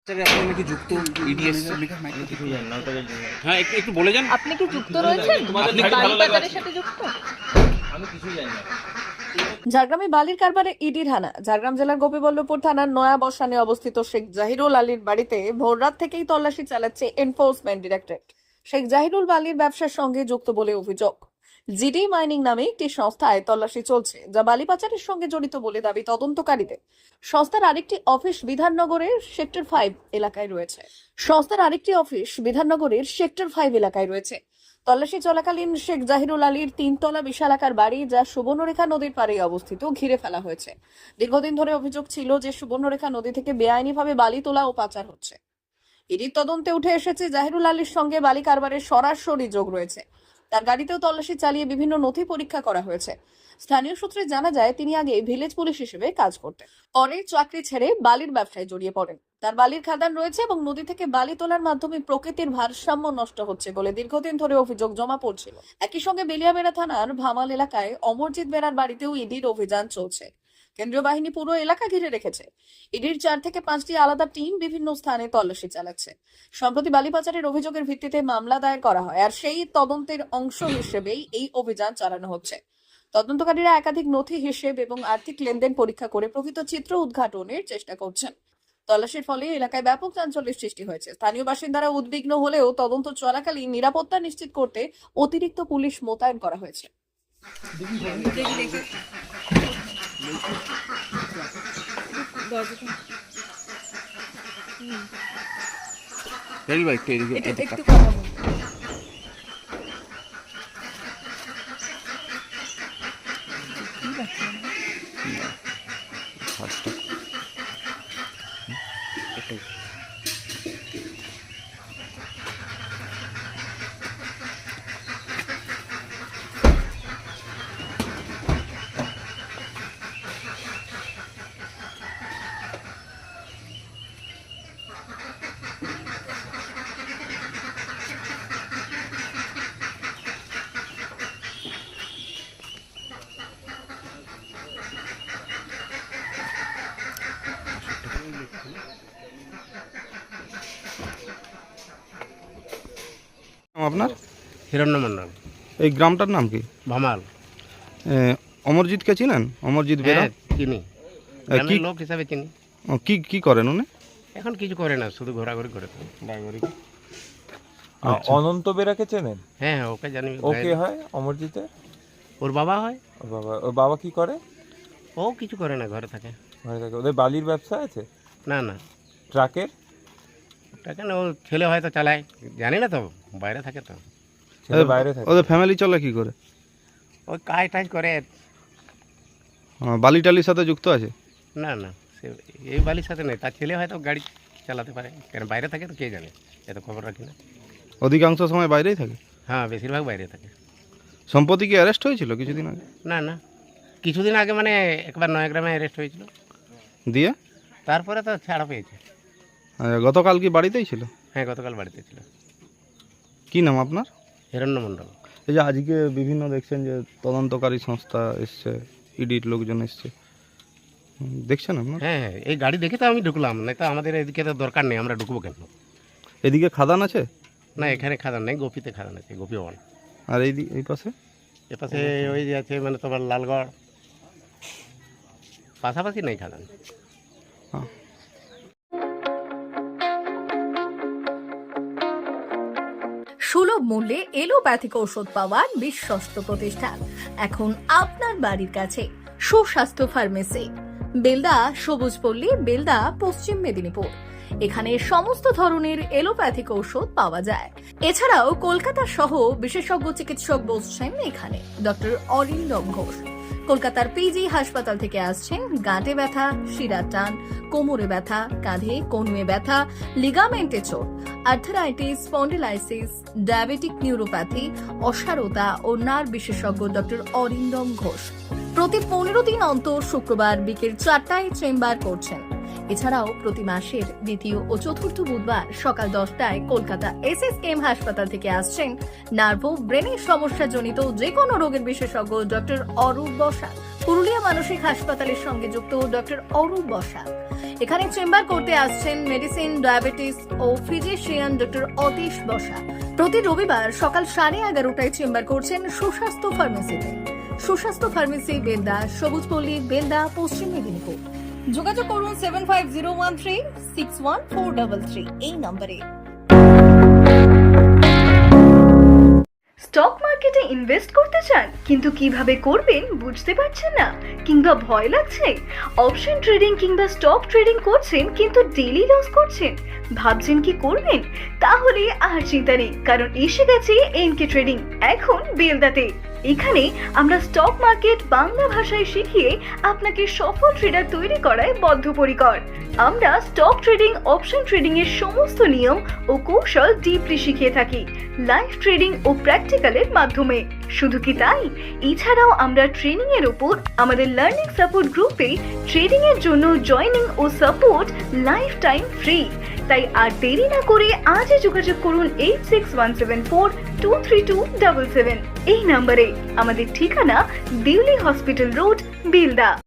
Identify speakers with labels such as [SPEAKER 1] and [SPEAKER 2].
[SPEAKER 1] Sir আপনি নাকি যুক্ত ইডিএস
[SPEAKER 2] কিছু জানি না, ওটা জানি না।
[SPEAKER 1] হ্যাঁ একটু একটু বলে যান।
[SPEAKER 3] আপনি কি যুক্ত রয়েছেন
[SPEAKER 2] তোমাদের
[SPEAKER 3] আপনি
[SPEAKER 2] গাড়ি ভালো
[SPEAKER 3] বালি
[SPEAKER 2] লাগে
[SPEAKER 3] বাজারের
[SPEAKER 2] আছে।
[SPEAKER 3] সাথে যুক্ত?
[SPEAKER 2] আমি কিছুই জানি না।
[SPEAKER 3] ঝাড়গ্রামে বালির কারবারে ইডির হানা। ঝাড়গ্রাম জেলার গোপীবল্লভপুর থানার নয়া বসানে অবস্থিত শেখ জাহিরুল আলীর বাড়িতে ভোররাত থেকেই তল্লাশি চালাচ্ছে এনফোর্সমেন্ট ডিরেক্টরেট। শেখ জাহিরুল বালির ব্যবসার সঙ্গে যুক্ত বলে অভিযোগ। জিডি মাইনিং নামে একটি সংস্থায় তল্লাশি চলছে, যা বালি পাচারের সঙ্গে জড়িত বলে দাবি তদন্তকারীদের। সংস্থার আরেকটি অফিস বিধাননগরের সেক্টর 5 এলাকায় রয়েছে। তল্লাশি চলাকালীন শেখ জাহিরুল আলীর 3 তলা বিশালাকার বাড়ি, যা সুবর্ণরেখা নদীর পাড়ে অবস্থিত, ঘিরে ফেলা হয়েছে। দীর্ঘদিন ধরে অভিযোগ ছিল যে সুবর্ণরেখা নদী থেকে বেআইনিভাবে বালি তোলা ও পাচার হচ্ছে। ইডির তদন্তে উঠে এসেছে জাহিরুল আলীর সঙ্গে বালি কারবারের সরাসরি যোগ রয়েছে। তার গাড়িতেও তল্লাশি চালিয়ে বিভিন্ন নথি পরীক্ষা করা হয়েছে। স্থানীয় সূত্রে জানা যায়, তিনি আগে ভিলেজ পুলিশ হিসেবে কাজ করতেন। পরে চাকরি ছেড়ে বালির ব্যবসায় জড়িয়ে পড়েন। তার বালির খাদান রয়েছে এবং নদী থেকে বালি তোলার মাধ্যমে প্রকৃতির ভারসাম্য নষ্ট হচ্ছে বলে দীর্ঘদিন ধরে অভিযোগ জমা পড়ছিল। একই সঙ্গে বেলিয়াবেড়া থানার ভামাল এলাকায় অমরজিৎ বেড়ার বাড়িতেও ইডির অভিযান চলছে। কেন্দ্রীয় বাহিনী পুরো এলাকা ঘিরে রেখেছে। ইডির 4 থেকে 5টি আলাদা টিম বিভিন্ন স্থানে তল্লাশি চালাচ্ছে। সম্প্রতি বালি পাচারের অভিযোগের ভিত্তিতে মামলা দায়ের করা হয়, আর সেই তদন্তের অংশ হিসেবেই এই অভিযান চালানো হচ্ছে। তদন্তকারীরা একাধিক নথি, হিসেব এবং আর্থিক লেনদেন পরীক্ষা করে প্রকৃত চিত্র উদ্ঘাটনের চেষ্টা করছেন। তল্লাশির ফলে এলাকায় ব্যাপক চাঞ্চল্যের সৃষ্টি হয়েছে। স্থানীয় বাসিন্দারা উদ্বিগ্ন হলেও তদন্ত চলাকালীন নিরাপত্তা নিশ্চিত করতে অতিরিক্ত পুলিশ মোতায়েন করা হয়েছে।
[SPEAKER 1] রেল বাইক তো এদিকে
[SPEAKER 3] একটু কথা বলুন।
[SPEAKER 1] ফার্স্টটা একটু
[SPEAKER 4] আপনার
[SPEAKER 5] হিরণ্য মন্ডল,
[SPEAKER 4] এই গ্রামটার নাম কি?
[SPEAKER 5] ভামাল।
[SPEAKER 4] অমরজিৎকে চিনেন? অমরজিৎ বেরা?
[SPEAKER 5] হ্যাঁ চিনি,
[SPEAKER 4] কি
[SPEAKER 5] গ্রামের লোক হিসাবে চিনি।
[SPEAKER 4] কি কি করেন উনি?
[SPEAKER 5] এখন কিছু করে না, শুধু ঘোরাঘুরি করে তো।
[SPEAKER 6] অনন্ত বেরাকে চেনেন?
[SPEAKER 5] হ্যাঁ হ্যাঁ, ওকে জানি।
[SPEAKER 6] ওকে হয় অমরজিতে?
[SPEAKER 5] ওর বাবা হয়।
[SPEAKER 6] ওর বাবা কি করে?
[SPEAKER 5] ও কিছু করে না, ঘরে থাকে।
[SPEAKER 6] ঘরে থাকে। ওদের বালির ব্যবসা আছে?
[SPEAKER 5] না না,
[SPEAKER 6] ট্রাকের?
[SPEAKER 5] ওটা কেন, ও ছেলে হয়তো চালায়, জানি না তো, বাইরে থাকে তো।
[SPEAKER 6] ছেলে বাইরে থাকে।
[SPEAKER 4] ওদের ফ্যামিলি চলে কি করে?
[SPEAKER 5] ওই কাজ টাজ করে।
[SPEAKER 4] বালি টালির সাথে যুক্ত আছে?
[SPEAKER 5] না না, সে এই বালির সাথে নেই, তার ছেলে হয়তো গাড়ি চালাতে পারে, কেন বাইরে থাকে তো কে জানে, এত খবর রাখি না।
[SPEAKER 4] অধিকাংশ সময় বাইরেই থাকে?
[SPEAKER 5] হ্যাঁ, বেশিরভাগ বাইরে থাকে।
[SPEAKER 4] সম্প্রতি কি অ্যারেস্ট হয়েছিল কিছুদিন আগে?
[SPEAKER 5] না না, কিছুদিন আগে মানে একবার নয়াগ্রামে অ্যারেস্ট হয়েছিল,
[SPEAKER 4] দিয়ে
[SPEAKER 5] তারপরে তো ছাড়া পেয়েছে।
[SPEAKER 4] গতকাল কি বাড়িতেই ছিল?
[SPEAKER 5] হ্যাঁ, গতকাল বাড়িতে ছিল।
[SPEAKER 4] কি নাম আপনার?
[SPEAKER 5] হিরণ্য মন্ডল।
[SPEAKER 4] এই যে আজকে বিভিন্ন দেখছেন যে তদন্তকারী সংস্থা এসছে, ইডির লোকজন এসছে, দেখছেন আপনার?
[SPEAKER 5] হ্যাঁ হ্যাঁ, এই গাড়ি দেখে তো আমি ঢুকলাম, না তো আমাদের এদিকে তো দরকার নেই, আমরা ঢুকবো কেন?
[SPEAKER 4] এদিকে খাদান আছে?
[SPEAKER 5] না, এখানে খাদান নেই, গোপীতে খাদান আছে, গোপী ভবন।
[SPEAKER 4] আর এই পাশে?
[SPEAKER 5] এপাশে ওই যে আছে মানে তোমার লালগড়, পাশাপাশি নেই খাদান।
[SPEAKER 4] হ্যাঁ।
[SPEAKER 7] সুলভ মূল্যে এলোপ্যাথিক ঔষধ পাওয়ার বিশ্বস্ত প্রতিষ্ঠান এখন আপনার বাড়ির কাছে। সুস্বাস্থ্য ফার্মেসি, বেলদা, সবুজপল্লী, বেলদা, পশ্চিম মেদিনীপুর। এখানে সমস্ত ধরনের এলোপ্যাথিক ঔষধ পাওয়া যায়। এছাড়াও কলকাতা সহ বিশেষজ্ঞ চিকিৎসক বসছেন এখানে। ডক্টর অরিন্দম ঘোষ কলকাতার পিজি হাসপাতাল থেকে আসছেন। গাঁটে ব্যথা, শিরার টান, কোমরে ব্যথা, কাঁধে কনুয়ে ব্যথা, লিগামেন্টে চোট, আর্থারাইটিস, স্পন্ডিলাইসিস, ডায়াবেটিক নিউরোপ্যাথি, অসারতা ও নার্ভ বিশেষজ্ঞ ডক্টর অরিন্দম ঘোষ প্রতি 15 দিন অন্তর শুক্রবার বিকেল 4টায় চেম্বার করছেন। এছাড়াও প্রতি মাসের দ্বিতীয় ও চতুর্থ বুধবার সকাল 10টায় কলকাতা এসএসকেএম হাসপাতাল থেকে আসছেন নার্ভ ও ব্রেনের সমস্যাজনিত যে কোনো রোগের বিশেষজ্ঞ ডক্টর অরূপ বসাক। পুরুলিয়া মানসিক হাসপাতালের সঙ্গে যুক্ত ডক্টর অরূপ বসাক। এখানে চেম্বার করতে আসছেন মেডিসিন, ডায়াবেটিস ও ফিজিশিয়ান ডক্টর অতীশ বসাক। প্রতি রবিবার সকাল 11:30টায় চেম্বার করছেন সুস্বাস্থ্য ফার্মেসিতে। সুস্বাস্থ্য ফার্মেসি, বেলদা, সবুজপল্লী, বেলদা, পশ্চিম মেদিনীপুর। যোগাযোগ করুন 7501361433 এই নম্বরে।
[SPEAKER 8] স্টক মার্কেটে ইনভেস্ট করতে চান কিন্তু কিভাবে করবেন বুঝতে পারছেন না কিংবা ভয় লাগছে? অপশন ট্রেডিং কিংবা স্টক ট্রেডিং করছেন কিন্তু ডেইলি লস করছেন, ভাবছেন কি করবেন? তাহলে আর চিন্তা নেই, কারণ এসে গেছে এনকে ট্রেডিং এখন বেলদাতে। এখানে আমরা স্টক মার্কেট বাংলা ভাষায় শিখিয়ে আপনাকে সফল ট্রেডার তৈরি করায় বদ্ধপরিকর। আমরা স্টক ট্রেডিং, অপশন ট্রেডিং এর সমস্ত নিয়ম ও কৌশল ডিপলি শিখিয়ে থাকি লাইভ ট্রেডিং ও প্র্যাকটিক্যালের মাধ্যমে। শুধু কি তাই, এছাড়াও আমরা ট্রেনিং এর উপর আমাদের লার্নিং সাপোর্ট গ্রুপে ট্রেডিং এর জন্য জয়েনিং ও সাপোর্ট লাইফ টাইম ফ্রি। তাই আর দেরি না করে আজই যোগাযোগ করুন 8617423277 এই নম্বরে। আমাদের ঠিকানা দিল্লি হসপিটাল রোড, বেলদা।